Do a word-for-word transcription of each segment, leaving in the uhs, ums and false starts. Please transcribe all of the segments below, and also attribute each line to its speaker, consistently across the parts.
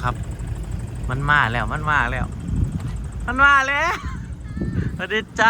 Speaker 1: ครับมันมาแล้วมันมาแล้วมันมาแล้วสวัสดีจ้า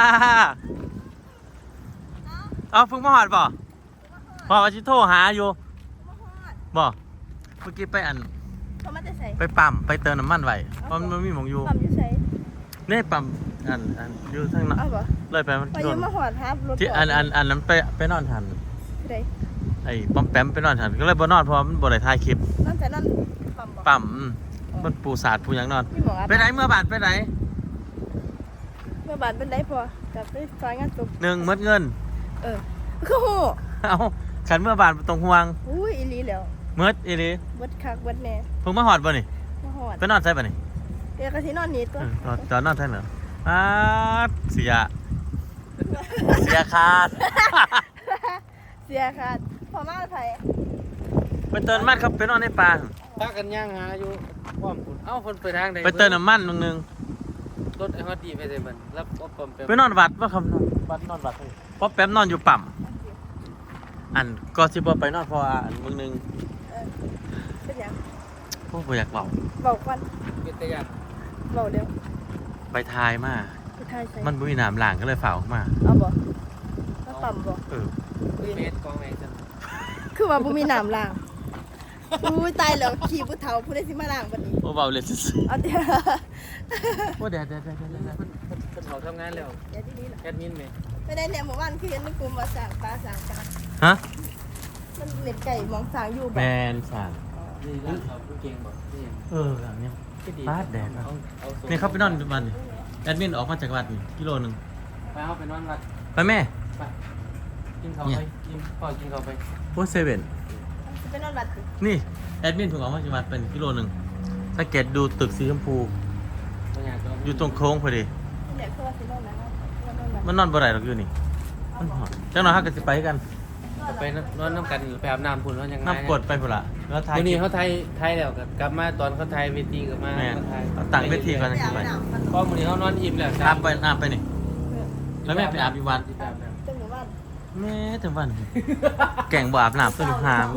Speaker 1: เอาเพิ่งมาหอดบ่พอชิโทรหาอยู่บ่เมื่อกี้ไปอันไปปั๊มไปเติมน้ำมันไว้เพราะมันมีหมองอยู่
Speaker 2: ปั๊มอยู่ไส
Speaker 1: นี่ปั๊มอันอันอยู่ทางนั้นเลยไปมันโดนที่อันอันอันนั้นไปไปนอนทันไอ้ปั๊มแปมไปนอนทันก็เลยบ่นอนเพราะมันบ่ได้ถ่ายคลิป
Speaker 2: นอนแต่นอนปั๊มบ่
Speaker 1: ปั๊มมันปูสาดปูหยังนอนไปไหนเมื่อบาทไปไหน
Speaker 2: เมื่อบาทเป็นได้พอกับไปซอยงานศพ
Speaker 1: หนึ่งมดเงิน
Speaker 2: เออคือโห
Speaker 1: เอาขันเมื่อบาทตรงห่วง
Speaker 2: อุ้ยอีหลีแล้ว
Speaker 1: มดอีหลี
Speaker 2: มดคักมดแน่
Speaker 1: เพิ่งมาหอดบ่นี่
Speaker 2: มาหอด
Speaker 1: ไปนอนใช่ป่ะนี่
Speaker 2: เดี๋ยวก็สินอนนี่ตัว
Speaker 1: จอนนอนใช่เหรออ้าเสียเสียขาด
Speaker 2: เสียขาดพอมาไทย
Speaker 1: ไปเติมน้ำมันครับไปนอนในป่า
Speaker 3: ถ้ากันย่างหาอยู่ป้อมคุณเอ้าคนไปทางไหน
Speaker 1: ไปเติมน้ำมันนึงนึง
Speaker 3: รถไอ้ฮอตดีไปเลยมันรับป้อมแป๊บ
Speaker 1: ไปนอนวัดว่าคำนอนวัดนอนวัดเพราะแป๊มนอนอยู่ปั๊มอันก็สิบ่ไปนอนเพราะอันมึงนึง
Speaker 2: เป็นยัง
Speaker 1: พวกบ่อยากเบา
Speaker 2: เบาควัน
Speaker 3: เป็นตะยัน
Speaker 2: เบาเร็ว
Speaker 1: ไปทายมามันบุ้ยน้ำหลางก็เลยฝ่าออกมา
Speaker 2: เอาบ่ก็ปั๊มบ่
Speaker 1: เออ
Speaker 3: เมตรกองไหนจัง
Speaker 2: คือว่าบุมีน้ำล้างอุ้ยตายแล้วขี่ผู้เฒ่าผู้ได้สิมาล้างบัดนี้
Speaker 1: โอ้เบาเลยสิ
Speaker 2: เอาเดี๋ยว
Speaker 1: โอ้เดี๋ยวเดี๋ยวเดี๋ยวเดี๋ยว
Speaker 3: คนเขาทำงานแล้ว
Speaker 2: เดี๋ยวที่นี่แหละ
Speaker 3: แอดมินไหม
Speaker 2: ไม่ได้เนี่ยเมื่อวานคือเห็นในกลุ่มมาสั่งปลาสั่งกัน
Speaker 1: ฮะ
Speaker 2: มันเล็ดไก่มองสั่งอยู่
Speaker 1: แมนสั่ง
Speaker 3: นี่ร้านเขาเก่งบ่นี่
Speaker 1: เอออย่างนี้ปาดแดดนี่เขาไปนอนวันนี้แอดมินออกมาจากวัดนี่กิโลหนึ่ง
Speaker 3: ไปเอาไปนอนวัด
Speaker 1: ไปแม่
Speaker 3: ไปกินข้าวไปกินพ่อกินข้าวไป
Speaker 1: โอ้เซเว่น
Speaker 2: ไปนอนวัด
Speaker 1: นี่แอดมินถูกออกมาจากวัดเป็นกิโลหนึ่งถ้าเกตดูตึกสีชมพูอยู่ตรงโค้งพอดีมันนอนบ่ได้หรอกอยู่นี่มันหอดจังหน่อยฮักกันสิไปกัน
Speaker 3: ไปนอนน้ำกันไปอาบน้ำพุ่นว่ายังไง
Speaker 1: น้ำกดไปพุ่นละ
Speaker 3: แล้วไทยนี่เขาไทยไทยแล้วกลับมาตอนเขาไทยเวทีกลับมา
Speaker 1: ต่างเวทีกันไป
Speaker 3: เพราะมื้อนี้เขานอนอิ่มแล้ว
Speaker 1: อาบไปอาบไปนี่แล้วแม่ไปอาบอีวันแม่ถึงวันแก่งบ่อาบน้ำต้นหาม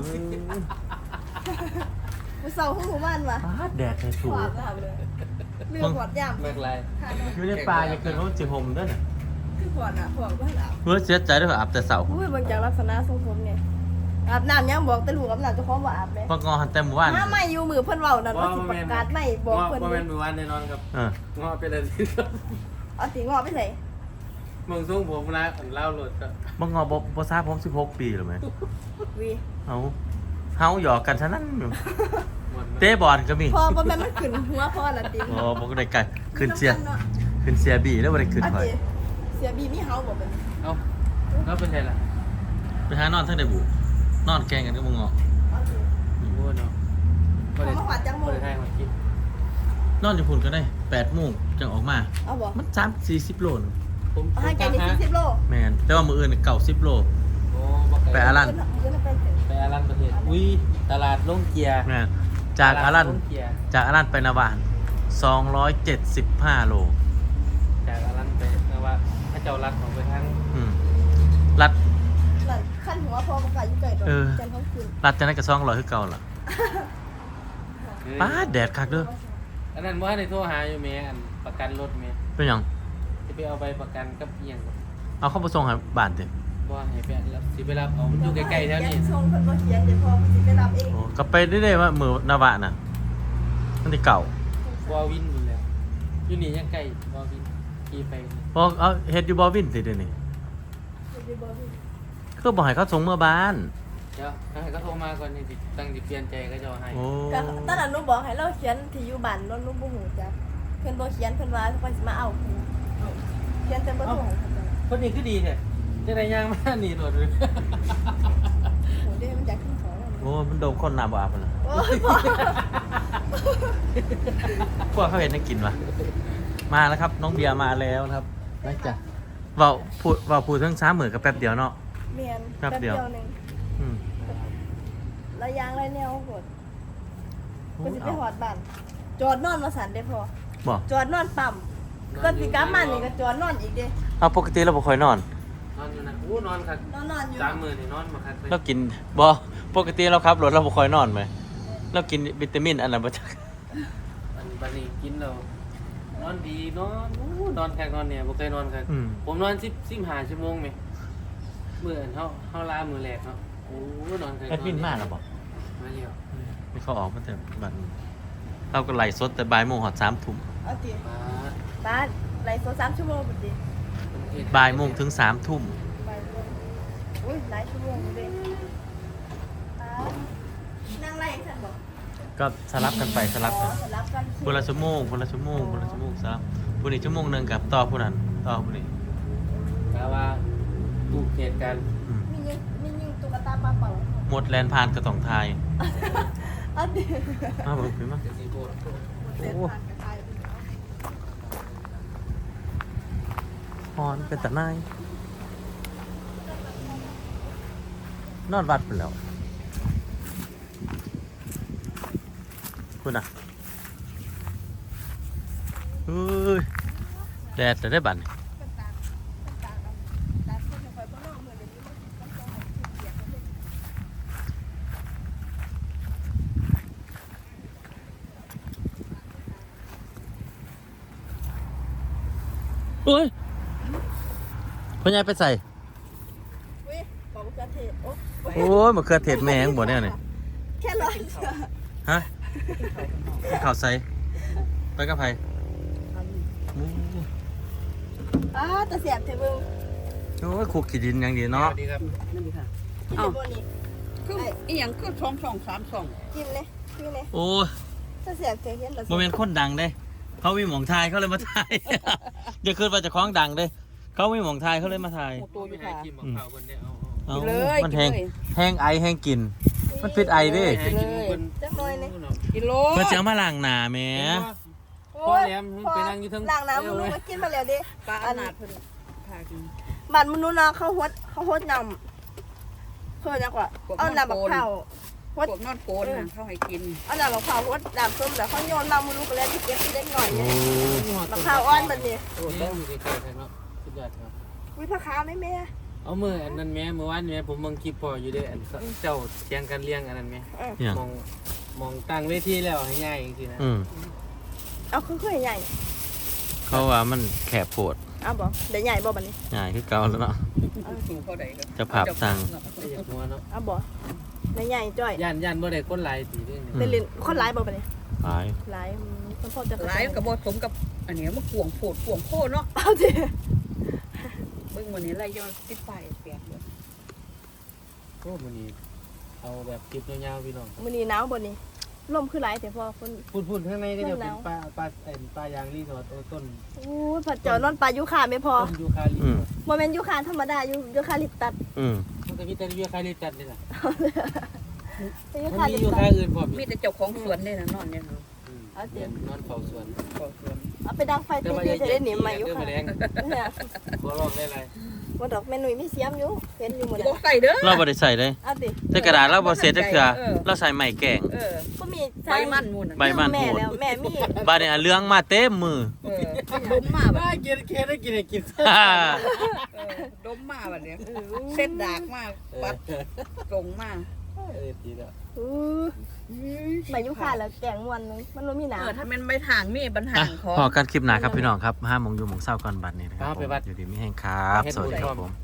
Speaker 2: เสาห้องหมู่บ้านวะ
Speaker 1: แดดเลยสูง
Speaker 2: เรือปอดย่ำ
Speaker 3: เมื่อไร
Speaker 1: อยู่ในป่าอย่าเกินรถจีหมด้วยนะ
Speaker 2: คือปอดอ่ะปอดก็อาบ
Speaker 1: เพื่อเสียใจด้วยอาบแต่เสา
Speaker 2: อุ้ยบางจากลักษณะทรงผมเนี่ยอาบน้ำยังบอกแต่ลูกอาบน้ำจะพร้อมว่าอาบเลย
Speaker 1: พองอหันเต็มวัน
Speaker 2: ถ้าไม่อยู่มือเพิ่นเว้านั่นว่าสิประกาศไม่บอกเพิ่น
Speaker 3: ว่าเป็นมือวันแน่นอนครับงอเป็นอะไร
Speaker 2: เอาสิงอไปใส่
Speaker 3: มึงส่งผมนะผมเล่าหลุดก็
Speaker 1: บังงอบ่บ่ทราบผมสิบหกปีหรือไหม
Speaker 2: วี
Speaker 1: เฮาเฮาหยอกกันซะนั่นอยู่เตะบอลก็มี
Speaker 2: พอบ่แม่นมันขึ้นหัวพอละติ
Speaker 1: อ๋อบ่ได้ไกลขึ้นเสียขึ้นเสียบีแล้วบ่ได้ขึ้นข่อย
Speaker 2: เสียบีมีเฮาบ่เป็น
Speaker 3: เอ้าแล้วเป็นไงล่ะ
Speaker 1: ไปหานอนทั้งได้บุนอนแกงกันกับมึงเหรอ
Speaker 3: โอ้เนาะ
Speaker 2: บ่ได้หวัดจังมื้อได้
Speaker 3: มากิน
Speaker 1: นอนอยู่พุ่นก็ได้แปดโมงจังออกมา
Speaker 2: เอาบ่
Speaker 1: มันสามสี่สิบโลนึง
Speaker 3: ผม
Speaker 2: ให้แกนี่สี่สิบโล
Speaker 1: แม่นแต่ว่ามื้ออื่นเก้าสิบโล
Speaker 3: โอ้บ่ไกล
Speaker 1: ไปอารัน
Speaker 3: ไปอารันประเทศอุ้ยตลาดลงเกียร์
Speaker 1: แม่นจากอารันจากอารันไปนาวานสองร้อยเจ็ดสิบห้าโล
Speaker 3: จากอารันไปนะว่าพระเจ้ารัดของไปทาง
Speaker 1: อืมรัด
Speaker 2: ขั้นหัวพอมันก็อยู่ใกล้ตัวจันทร์ท้องคืน
Speaker 1: รัดจังได๋ก็สองร้อยคือเก่าล่ะป้าแดดคักเด้อ
Speaker 3: อันนั้นว่าในโทรหาอยู่แม่อันประกันรถแม่
Speaker 1: เป็นหยัง
Speaker 3: สิไปเอาใบประกันกับอีหยัง
Speaker 1: เอาเข้าไปส่งให้บ้านติ
Speaker 3: บ่ให้ไปรับสิไปรับเอามันอยู่ใกล้ๆแถวนี้
Speaker 2: ส่งเพิ่นบ่เขียนเดี๋ยวพอสิไปรับเอง
Speaker 1: โอ้ก็ไปได้ๆว่ามื้อนาวะน่ะมันสิเก่า
Speaker 3: บ่วินอยู่แล้วอยู่นี่ยังใกล้บ่วินขี่ไป
Speaker 1: พอเอาเฮ็ดอยู่บ่วินติเดี๋ยวนี้คือบ่ให้เขาส่งเมื่อบ้าน
Speaker 3: เดี๋ยวให้เขาโทรมาก่อนนี่สิตั้งสิเปลี่ยนใจก็จะให้
Speaker 2: ก็ตอนนั้นหนูบอกให้เราเขียนที่อยู่บ้านนนหนูบ่ฮู้จักเพิ่นบ่เขียนเพิ่นว่าเพิ่นสิมาเอาเขียนแต่บ่ถูก
Speaker 3: คนนี้คือดีแท้จะได้ย่างมานี่โดดเลย
Speaker 2: โอ้เด้มันอยากขึ้นเขา
Speaker 1: โอ้มันโดนคนหน้าบ่อาบน่ะ
Speaker 2: โอ้ยพ่อ
Speaker 1: พวกเขาเห็นได้กินวะมาแล้วครับน้องเบียร์มาแล้วครับนะจ๊ะเว้าพูดเว้าพูดทั้งสามมื้อก็แป๊บเดียวเนาะ
Speaker 2: แม่น
Speaker 1: แป๊บเดียวนึงอืม
Speaker 2: ระยางไรแนวโหดก็สิไปฮอดบ้านจอดนอนมาสั่นได้พอ
Speaker 1: บ่
Speaker 2: จอดนอนปั๊มก็สิกลับมานี่ก็จอดนอนอีกเด้
Speaker 1: เอาปกติเราบ่ค่อยนอน
Speaker 3: นอนอยู่นะอู้นอนครับ
Speaker 2: นอนนอนอยู่
Speaker 3: สามมื้อนี่นอนมาครับ
Speaker 1: เรากินบ่ปกติเราขับรถเราบ่ค่อยนอนมั้ยเรากินวิตามินอันนั้นบ่จัก
Speaker 3: อันบัดนี้กินแล้วนอนดีนอนอู้นอนคักนอนเนี่ยบ่เคยนอนคัก
Speaker 1: อืม
Speaker 3: ผมนอนสิบ สิบห้าชั่วโมงแม่มื้ออันเฮาเฮาลามื้อแรกเนาะโอ้นอนคัก
Speaker 1: แอดมินมาแล้วบ่
Speaker 3: มาแล้ว
Speaker 1: ไม่เขาออกมาแต่บัดนี้เราก็ไล่สดแต่บ่ายโมงหอดสามทุ่ม
Speaker 2: เอาติ
Speaker 3: มา
Speaker 2: บ้านไลฟ์โซสามชั่วโมงพอดี
Speaker 1: บ่ายโมงถึงสามทุ่ม
Speaker 2: บ่ายโมงอุ้ยหลายชั่วโมงเลยอ่านั่งไล่ฉันบอก
Speaker 1: ก็สลับกันไปสลับกัน
Speaker 2: อ๋อสลับกัน
Speaker 1: คนละชั่วโมงคนละชั่วโมงคนละชั่วโมงสลับผู้นี้ชั่วโมงหนึงกับต่อผู้นั้นต่อผู้นี้
Speaker 3: กะว่าถูกเหตุการณ์
Speaker 1: อืม
Speaker 2: มียิงมียิงตุ๊กตาปลาเป่า
Speaker 1: หมดแลนพานกระต่องทาย
Speaker 2: เอาดิ
Speaker 1: มาเบิ่งพี่มา
Speaker 3: จะสิโพด
Speaker 2: เต้นผ่านกระต่าย
Speaker 1: พรเป็นตะนายนอนวัดไปแล้วคุณอ่ะเฮ้ยแดดจะได้บัดนี่
Speaker 2: เป็นตาเป็นตากับตาขึ้นไปบ้านนอกเมืองเดี๋ยวนี้มันต้องให้ขึ้นเสียงมันเลย
Speaker 1: เฮ้ยพ่อใหญ่ไปใส่
Speaker 2: อุ้ยบอกมะเขือเทศโอ้
Speaker 1: โอ้ยมะเขือเทศแม่งบ่เนี่ยนี่
Speaker 2: แค่ร้อย
Speaker 1: ฮะให้ข่าวใส่ไปกับไผโอ้
Speaker 2: อ้าแต่เสียบเทมึง
Speaker 1: โอ้ยคุกขี้ดินอย่างดี
Speaker 3: ส
Speaker 1: เนาะ
Speaker 3: วัสดีครับ
Speaker 4: นั่นดีค่ะ
Speaker 2: กินในบนนี้
Speaker 4: คืออีหยังคือสองสองสามสอง
Speaker 2: กินเลยกินเลย
Speaker 1: โอ้ย
Speaker 2: ถ้าเสียบเทเห็นเรา
Speaker 1: โมเมนต์คนดังเด้ เขามีหมองทายเขาเลยมาทาย เดี๋ยวคืนว่าจะคล้องดังเด้ เขามีหมองทายเขาเลยมาทาย
Speaker 4: โมโตอยู่
Speaker 3: ไม่ให้
Speaker 4: ค่ะ
Speaker 3: กินบอกข้าวเพิ่นได้เอา
Speaker 1: เอา
Speaker 4: กินเลย
Speaker 1: มัน
Speaker 4: กิ
Speaker 1: แห้ง
Speaker 4: นเลย
Speaker 1: แห้งไอแห้งกิน มันพิษไอเด้
Speaker 3: ให้กินเพิ่น
Speaker 2: จักหน่อยเนี่ย
Speaker 4: กิโล
Speaker 1: เพื่อจะเอามาล้างหน้าแหม่
Speaker 3: พ่อแหลมไปนั่งอยู่เทั้ง
Speaker 2: ล้างน้ำมึงมากินมาแล้วดิ
Speaker 4: ปลาอนาถเพิ่นพากิน
Speaker 2: บ้านมนุษย์เนาะเขาฮดเขาฮดนำเพื่อนยังกว่าเอาน้ำบักเผา
Speaker 4: พวกนอนโกนน่ะเขาให้กิน
Speaker 2: เอาน้ำบักเผาฮดน้ำส้มแล้วเขาโยนมามุนุษย์ไปแล้วที่เก็บที่เล็กหน่อย
Speaker 1: โอ้
Speaker 2: เนี่ยบักเผาอ้อนแบบนี้
Speaker 3: โอ้แล้วอยู่ใกล้ๆกันเนาะสุดยอดครับ
Speaker 2: วิพาขาวไหมแม่
Speaker 3: เอามืออันนั้นแม่เมื่อวานแม่ผมเบิ่งคลิปพ่ออยู่เด้อันเจ้าเถียงกันเลี้ยงอันนั้นแม่
Speaker 1: ยัง
Speaker 3: มองมองตั้งเวทีแล้วให้ง่ายจริงๆนะ
Speaker 1: อืม
Speaker 2: เอาคือคือใหญ่
Speaker 1: เขาว่ามันแคบโพด
Speaker 2: เอาบ่เดี๋ยวใหญ่บ่บัดนี้
Speaker 1: ใหญ่คือเก่าแล้วเนาะ
Speaker 4: สูงเท่าใดก็
Speaker 1: จะผับสั่ง
Speaker 3: ไม่อยากหัวเนาะ
Speaker 2: เอาบ่เดี๋ยวใหญ่จ้อย
Speaker 3: ย่านย่านบ่ได้คนหลายตีเด้
Speaker 1: อืม
Speaker 2: เป็นลินคนร้ายบ่บัดนี้
Speaker 1: หลาย
Speaker 2: ร้ายคนพ่อจะ
Speaker 4: หลายก็บ่สมกับอันนี้มันกวงโพดกวงโพดเนาะ
Speaker 2: เอาดิ
Speaker 4: เบิ่งวันนี้ไล่ย้อนติดป้ายแปดเลย
Speaker 3: โอ้มื้อนี้เอาแบบคลิปยาวๆพี่น้อง
Speaker 2: มื้อนี้หนาวบ่นี่ลมคือร้ายแต่พอคน
Speaker 3: พูดๆข้างในก็จะเป็นปลาปลาเอ็นปลายางรีสอร์ทโอ้ต้น
Speaker 2: อู้ผัดเจอนอนปลายูคาไม่พอ
Speaker 3: ต้นยูคาลิ
Speaker 1: อืม
Speaker 2: บ่แม่นยูคาธรรมดายูยูคาลิปตัส
Speaker 1: อืม
Speaker 3: มันก็มีแต่ยูคาลิตัสนี่แหละ
Speaker 2: ยู
Speaker 3: มัน
Speaker 2: คา
Speaker 3: มี
Speaker 2: ลิป
Speaker 3: ยู
Speaker 2: ตั
Speaker 3: คา
Speaker 2: ส
Speaker 3: อื่นพร้อม
Speaker 4: มีแต่เจ้าของสวนนี่น่ะนอนเนี่ยเนาะ
Speaker 2: เอาสิ
Speaker 3: นอนเฝ้าสวน
Speaker 4: ขอสวน
Speaker 2: เอาไปดังไฟตีๆจะได้หนีมายู
Speaker 3: เด้อ
Speaker 2: คา
Speaker 3: แมลง
Speaker 2: เนี่ย
Speaker 3: ขอร้องได้ไร
Speaker 2: บ่ดอกแม่หนุ่ยมีเสียมอยู่เห็นอยู่หมด
Speaker 4: บ่ใส่เด้อ
Speaker 1: เราบ่ได้ใส่เลย
Speaker 2: เอาดิ
Speaker 1: แต่กระดาษเราบ่เสร็จจักเทื่อเราใส่ไม้แกง
Speaker 4: เออ
Speaker 2: บ่มี
Speaker 4: ใบมันนู่นน่ะ
Speaker 1: ใบมัน
Speaker 2: แม่
Speaker 1: โหด
Speaker 2: แล้วแม่มี
Speaker 1: บาดนี้เรื่องมาเต็มมือ
Speaker 4: เออมันดมมาบัด
Speaker 3: ได้กินแค่ได้กินให้กิน
Speaker 1: ฮ่า
Speaker 4: เออดมมาบัดเนี่ยเส้นดากมากปัดตรงมา
Speaker 3: เออดีแล้ว
Speaker 2: อู้ใบยูคาแล้วแกงม่วนนึงมันบ่มีหนา
Speaker 4: เออถ้ามันไม่ทางมีปัญหา
Speaker 1: อ่ะ
Speaker 4: ของ
Speaker 1: พอกันคลิปหน้าครับพี่น้องครับห้าโมงอยู่หมองเศร้าก่อนบัดนี้นะครับผมอยู่ดีไม่แห้งครับ สวัสดีครับผม